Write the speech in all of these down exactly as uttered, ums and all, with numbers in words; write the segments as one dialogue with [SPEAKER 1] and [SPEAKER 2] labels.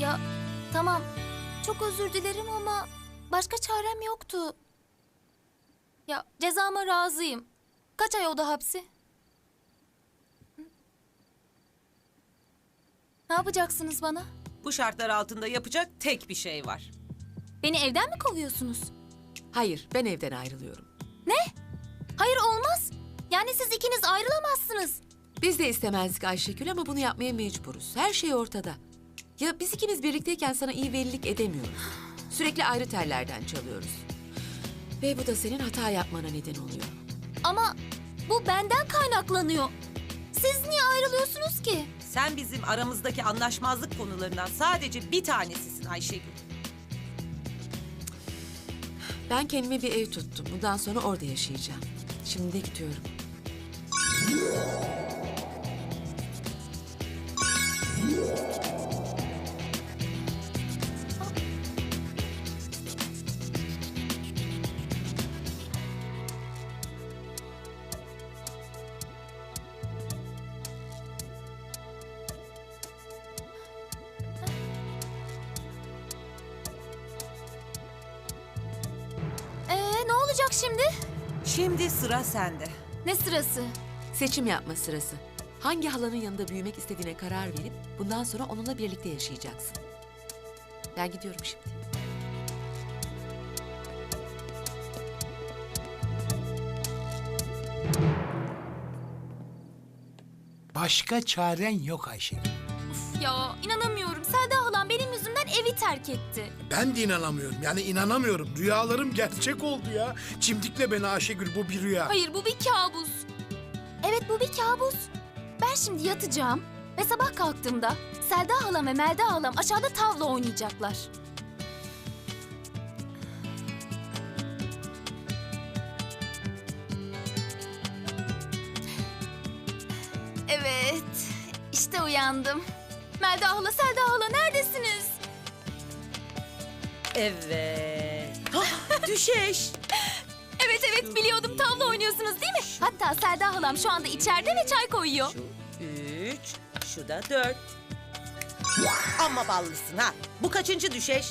[SPEAKER 1] Ya tamam, çok özür dilerim ama başka çarem yoktu. Ya cezama razıyım. Kaç ay oda hapsi? Ne yapacaksınız bana?
[SPEAKER 2] Bu şartlar altında yapacak tek bir şey var.
[SPEAKER 1] Beni evden mi kovuyorsunuz?
[SPEAKER 3] Hayır, ben evden ayrılıyorum.
[SPEAKER 1] Hayır, olmaz. Yani siz ikiniz ayrılamazsınız.
[SPEAKER 3] Biz de istemezdik Ayşegül ama bunu yapmaya mecburuz. Her şey ortada. Ya biz ikimiz birlikteyken sana iyi velilik edemiyoruz. Sürekli ayrı tellerden çalıyoruz. Ve bu da senin hata yapmana neden oluyor.
[SPEAKER 1] Ama bu benden kaynaklanıyor. Siz niye ayrılıyorsunuz ki?
[SPEAKER 2] Sen bizim aramızdaki anlaşmazlık konularından sadece bir tanesisin Ayşegül.
[SPEAKER 3] Ben kendime bir ev tuttum. Bundan sonra orada yaşayacağım. Şimdi de gidiyorum.
[SPEAKER 1] Ee, ne olacak şimdi?
[SPEAKER 2] Şimdi sıra sende.
[SPEAKER 1] Ne sırası?
[SPEAKER 3] Seçim yapma sırası. Hangi halanın yanında büyümek istediğine karar verip bundan sonra onunla birlikte yaşayacaksın. Ben gidiyorum şimdi.
[SPEAKER 4] Başka çaren yok Ayşegül.
[SPEAKER 1] Ya inanamıyorum. Selda halam benim yüzümden evi terk etti.
[SPEAKER 4] Ben de inanamıyorum. Yani inanamıyorum. Rüyalarım gerçek oldu ya. Çimdikle beni Ayşegül, bu bir rüya.
[SPEAKER 1] Hayır, bu bir kabus. Evet, bu bir kabus. Ben şimdi yatacağım ve sabah kalktığımda Selda halam ve Melda halam aşağıda tavla oynayacaklar. Evet, işte uyandım. Melda hala, Selda hala neredesiniz?
[SPEAKER 2] Evet. Hah, düşeş.
[SPEAKER 1] Evet evet biliyordum, tavla oynuyorsunuz değil mi? Hatta Selda halam şu anda içeride ve çay koyuyor.
[SPEAKER 2] Şu üç, şu da dört. Amma ballısın ha. Bu kaçıncı düşeş?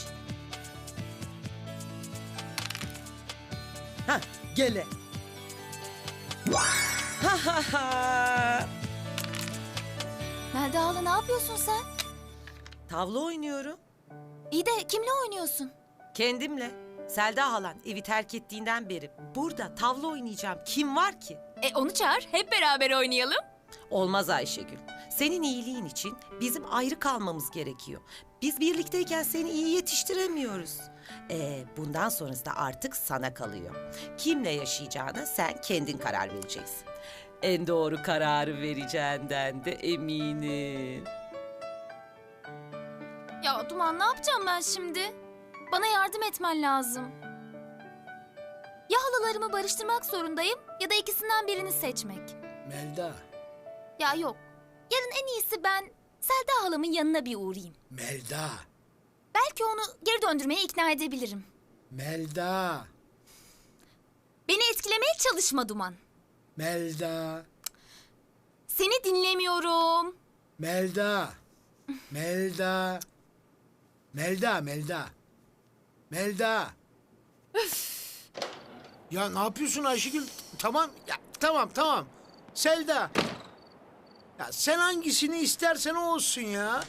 [SPEAKER 2] Ha, gele. Ha ha ha.
[SPEAKER 1] Melda hala, ne yapıyorsun sen?
[SPEAKER 2] Tavla oynuyorum.
[SPEAKER 1] İyi de kimle oynuyorsun?
[SPEAKER 2] Kendimle. Selda halan evi terk ettiğinden beri burada tavla oynayacağım. Kim var ki?
[SPEAKER 1] E onu çağır, hep beraber oynayalım.
[SPEAKER 2] Olmaz Ayşegül. Senin iyiliğin için bizim ayrı kalmamız gerekiyor. Biz birlikteyken seni iyi yetiştiremiyoruz. Ee, bundan sonrası da artık sana kalıyor. Kimle yaşayacağına sen kendin karar vereceksin. En doğru kararı vereceğinden de eminim.
[SPEAKER 1] Ya Duman, ne yapacağım ben şimdi? Bana yardım etmen lazım. Ya halalarımı barıştırmak zorundayım ya da ikisinden birini seçmek.
[SPEAKER 4] Melda,
[SPEAKER 1] Ya yok. Yarın en iyisi ben Selda halamın yanına bir uğrayayım.
[SPEAKER 4] Melda,
[SPEAKER 1] Belki onu geri döndürmeye ikna edebilirim.
[SPEAKER 4] Melda,
[SPEAKER 1] Beni etkilemeye çalışma Duman.
[SPEAKER 4] Melda,
[SPEAKER 1] Seni dinlemiyorum.
[SPEAKER 4] Melda, Melda, Melda, Melda, Melda. Ya ne yapıyorsun Ayşegül? Tamam, ya tamam, tamam. Selda. Ya sen hangisini istersen o olsun ya.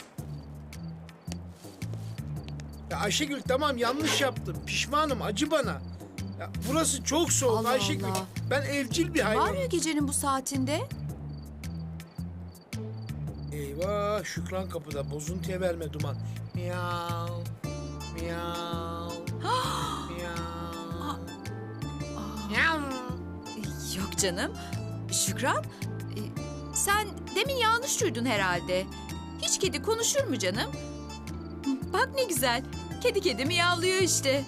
[SPEAKER 4] Ya Ayşegül, tamam, yanlış yaptım. Pişmanım, acı bana. Ya burası çok soğuk
[SPEAKER 5] Allah
[SPEAKER 4] Ayşegül.
[SPEAKER 5] Allah.
[SPEAKER 4] Ben evcil bir
[SPEAKER 5] Var
[SPEAKER 4] hayvanım.
[SPEAKER 5] ya gecenin bu saatinde?
[SPEAKER 4] Eyvah, Şükran kapıda. Bozuntuya verme Duman. Miyav, miyav, miyav, miyav.
[SPEAKER 5] Yok canım. Şükran, e, sen demin yanlış duydun herhalde. Hiç kedi konuşur mu canım? Bak ne güzel. Kedi kedi miyavlıyor işte.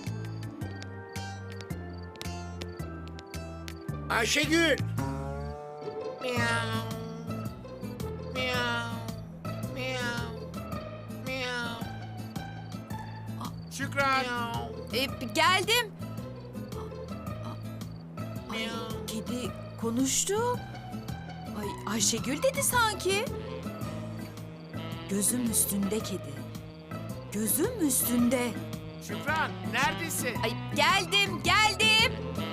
[SPEAKER 4] Ayşegül. Miyav, miyav, miyav, miyav. Şükran.
[SPEAKER 5] E, geldim.
[SPEAKER 4] Miyav.
[SPEAKER 5] Kedi konuştu. Ay Ayşegül dedi sanki. Gözüm üstünde kedi. gözüm üstünde.
[SPEAKER 4] Şükran neredesin?
[SPEAKER 5] Ay geldim, geldim.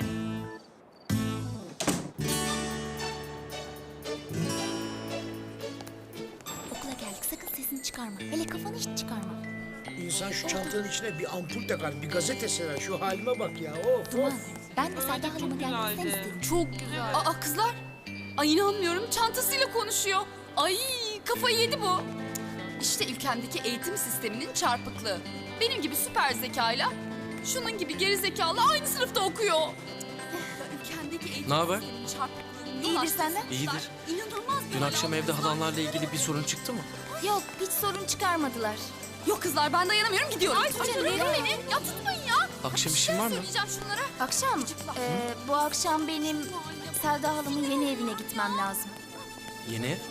[SPEAKER 1] Okula geldik, sakın sesini çıkarma. Hele kafanı hiç çıkarma.
[SPEAKER 4] İnsan şu çantanın içine bir ampul takar, bir gazete serer. Şu halime bak ya. Of
[SPEAKER 1] Duman,
[SPEAKER 4] of.
[SPEAKER 1] ben de Selda halama gelmek sen istedin.
[SPEAKER 6] Çok güzel. Aa kızlar. Ay inanmıyorum çantasıyla konuşuyor. Ay kafayı yedi bu. İşte ülkemdeki eğitim sisteminin çarpıklığı. Benim gibi süper zekayla şunun gibi geri zekalı aynı sınıfta okuyor. Ülkemdeki eğitim
[SPEAKER 7] Ne haber?
[SPEAKER 6] sisteminin çarpıklığını
[SPEAKER 1] İyidir
[SPEAKER 6] yol
[SPEAKER 1] senden?
[SPEAKER 6] açtığı
[SPEAKER 7] İyidir.
[SPEAKER 6] kızlar İnanılmaz bir
[SPEAKER 7] Dün
[SPEAKER 6] hal
[SPEAKER 7] akşam
[SPEAKER 6] aldı
[SPEAKER 7] evde
[SPEAKER 6] kızlar.
[SPEAKER 7] halanlarla ilgili bir sorun çıktı mı?
[SPEAKER 1] Yok, hiç sorun çıkarmadılar.
[SPEAKER 6] Yok kızlar ben dayanamıyorum gidiyorum. Ay
[SPEAKER 1] canım,
[SPEAKER 6] tutmayın
[SPEAKER 1] nereye?
[SPEAKER 6] beni. Ya tutmayın ya.
[SPEAKER 7] Akşam işin var mı?
[SPEAKER 6] Söyleyeceğim şunlara.
[SPEAKER 1] Akşam, e, bu akşam benim Selda halamın yeni evine gitmem lazım.
[SPEAKER 7] Yeni ev?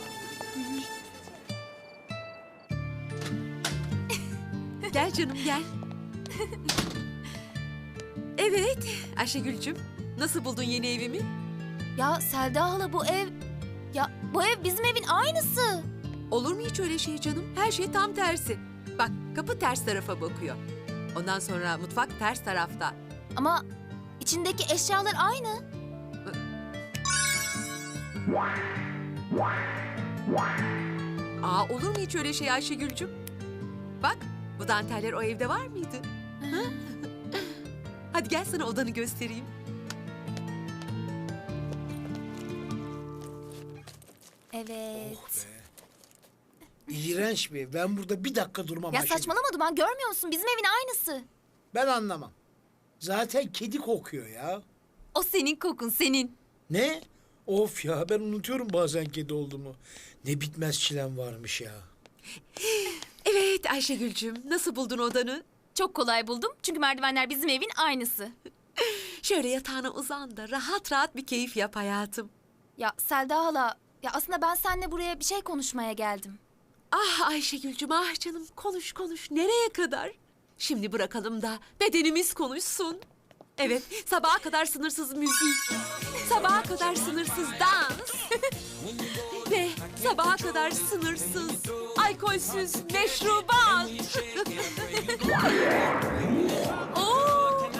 [SPEAKER 3] Gel canım gel. Evet Ayşegül'cüm. Nasıl buldun yeni evimi?
[SPEAKER 1] Ya Selda hala bu ev... Ya bu ev bizim evin aynısı.
[SPEAKER 3] Olur mu hiç öyle şey canım? Her şey tam tersi. Bak kapı ters tarafa bakıyor. Ondan sonra mutfak ters tarafta.
[SPEAKER 1] Ama içindeki eşyalar aynı.
[SPEAKER 3] Aa olur mu hiç öyle şey Ayşegül'cüm? Bak bu danteller o evde var mıydı? Ha? Hadi gel sana odanı göstereyim.
[SPEAKER 1] Evet.
[SPEAKER 4] İğrenç bir ev. Ben burada bir dakika durmam
[SPEAKER 1] Ya
[SPEAKER 4] Ayşegül.
[SPEAKER 1] saçmalama Duman, görmüyor musun? Bizim evin aynısı.
[SPEAKER 4] Ben anlamam. Zaten kedi kokuyor ya.
[SPEAKER 6] O senin kokun senin.
[SPEAKER 4] Ne? Of ya, ben unutuyorum bazen kedi olduğumu. Ne bitmez çilem varmış ya.
[SPEAKER 3] Evet Ayşegül'cüm nasıl buldun odanı?
[SPEAKER 1] Çok kolay buldum çünkü merdivenler bizim evin aynısı.
[SPEAKER 3] Şöyle yatağına uzan da rahat rahat bir keyif yap hayatım.
[SPEAKER 1] Ya Selda hala, ya aslında ben seninle buraya bir şey konuşmaya geldim.
[SPEAKER 3] Ah Ayşegül'cüm ah canım konuş konuş nereye kadar? Şimdi bırakalım da bedenimiz konuşsun. Evet sabaha kadar sınırsız müzik, sabaha kadar sınırsız dans ve sabaha kadar sınırsız alkolsüz meşrubat. Oo!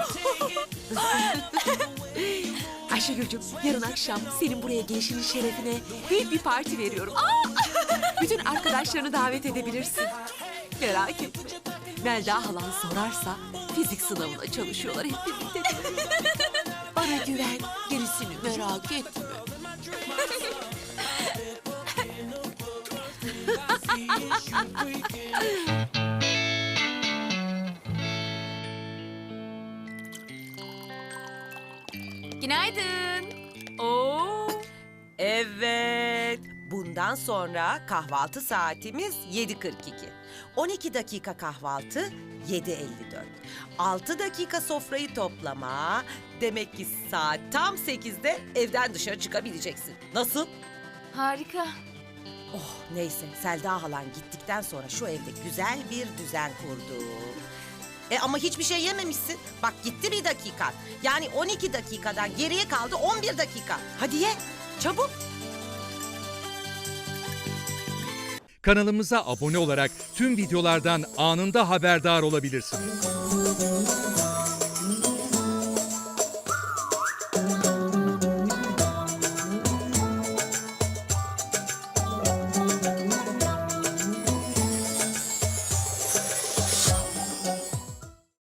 [SPEAKER 3] Ayşegül'cüm yarın akşam senin buraya gelişinin şerefine büyük bir parti veriyorum. Bütün arkadaşlarını davet edebilirsin. Merak etme. Melda halan sorarsa fizik sınavına çalışıyorlar hep birlikte. Bana güven, gerisini merak etme.
[SPEAKER 1] Günaydın. Oo.
[SPEAKER 2] Evet. Bundan sonra kahvaltı saatimiz yedi kırk iki. on iki dakika kahvaltı, yedi elli dört. altı dakika sofrayı toplama. Demek ki saat tam sekizde evden dışarı çıkabileceksin. Nasıl?
[SPEAKER 1] Harika.
[SPEAKER 2] Oh neyse, Selda halan gittikten sonra şu evde güzel bir düzen kurdu. E ama hiçbir şey yememişsin. Bak gitti bir dakikan. Yani on iki dakikadan geriye kaldı on bir dakika. Hadi ye, çabuk.
[SPEAKER 8] Kanalımıza abone olarak tüm videolardan anında haberdar olabilirsiniz.